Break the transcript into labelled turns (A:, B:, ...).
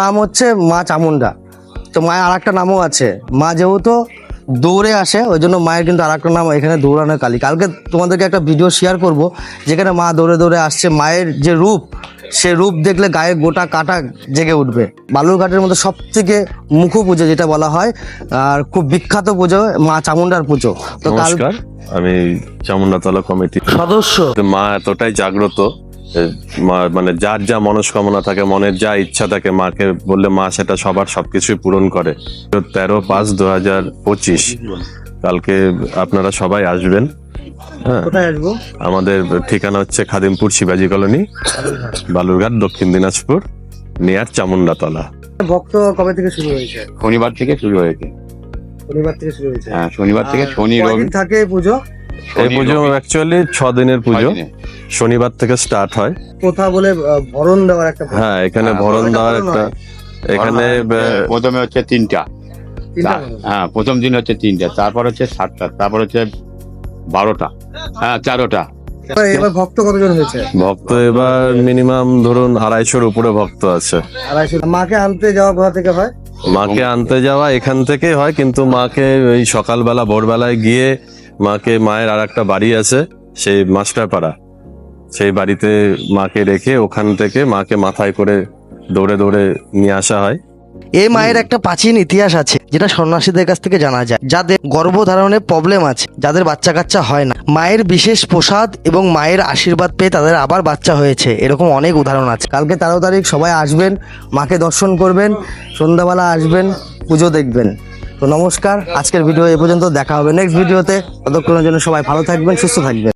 A: নাম হচ্ছে মা চামুন্ডা। তো মায়ের আর একটা নামও আছে, মা যেহেতু দৌড়ে আসে ওই জন্য মায়ের কিন্তু আর একটা নাম এখানে দৌড়ানোর কালী। কালকে তোমাদেরকে একটা ভিডিও শেয়ার করব যেখানে মা দৌড়ে দৌড়ে আসছে। মায়ের যে রূপ, সে রূপ দেখলে গায়ে গোটা কাটা জেগে উঠবে। বালুরঘাটের মধ্যে সব থেকে মুখ্য পুজো যেটা বলা হয় আর খুব বিখ্যাত পুজো মা চামুন্ডার পুজো। তো
B: নমস্কার, আমি চামুন্ডাতলা কমিটির
A: সদস্য।
B: মা এতটাই জাগ্রত, মানে যার যা মনস্কামনা থাকে, মনের যা ইচ্ছা থাকে, মাকে বললে মা সেটা সবার সবকিছুই পূরণ করে। 13/5/2025 কালকে আপনারা সবাই আসবেন। হ্যাঁ,
A: কোথায় আসবো?
B: আমাদের ঠিকানা হচ্ছে খাদিমপুর শিবাজি কলোনি, বালুরঘাট, দক্ষিণ দিনাজপুর, নিয়ার চামুন্ডাতলা।
A: ভক্ত কবে থেকে শুরু হয়েছে?
C: শনিবার থেকে শুরু হয়েছে।
A: শনিবার থেকে শুরু হয়েছে।
C: হ্যাঁ, শনিবার থেকে
A: আর
C: শনি রবি
A: কয়দিন থাকে এই পুজো?
B: এই পুজো অ্যাকচুয়ালি 6 দিনের পুজো,
C: 6 দিনে।
B: শনিবার থেকে স্টার্ট হয়।
A: কোথা বলে ভরণ দেওয়ার একটা
B: হ্যাঁ, এখানে
C: হ্যাঁ,
B: ভরণ
A: ভরণ
B: দেওয়ার
A: ভরণ
B: একটা,
A: হয়।
B: এখানে
C: প্রথমে হচ্ছে 3টা।
A: তিনটা ভরণ।
C: হ্যাঁ, প্রথম দিন হচ্ছে 3টা, তারপর হচ্ছে 7টা, তারপর হচ্ছে 12টা, হ্যাঁ 4টা।
A: এবার ভক্ত কতজন হয়েছে?
B: ভক্ত এবার মিনিমাম ধরুন 250-র উপরে ভক্ত আছে।
A: 250। মাকে আনতে যাওয়া কোথা থেকে হয়?
B: মাকে আনতে যাওয়া এখান থেকেই হয়, কিন্তু মাকে ওই সকালবেলা ভোরবেলায় গিয়ে মায়ের আর একটা বাড়ি আছে সেই মাস্টারপাড়া, সেই বাড়িতে মাকে রেখে ওখান থেকে মাকে মাথায় করে দৌড়ে দৌড়ে নিয়ে আসা হয়।
A: এই মায়ের একটা প্রাচীন ইতিহাস আছে যেটা সন্ন্যাসীদের কাছ থেকে জানা যায়, যাদের গর্ভধারণের প্রবলেম আছে, যাদের বাচ্চা কাচ্চা হয় না, মায়ের বিশেষ প্রসাদ এবং মায়ের আশীর্বাদ পেয়ে তাদের আবার বাচ্চা হয়েছে। এরকম অনেক উদাহরণ আছে। কালকে 13 তারিখ সবাই আসবেন, মাকে দর্শন করবেন, সন্ধ্যাবেলা আসবেন, পুজো দেখবেন। তো নমস্কার, আজকের ভিডিও এ পর্যন্ত। দেখা হবে নেক্সট ভিডিওতে। ততক্ষণের জন্য সবাই ভালো থাকবেন, সুস্থ থাকবেন।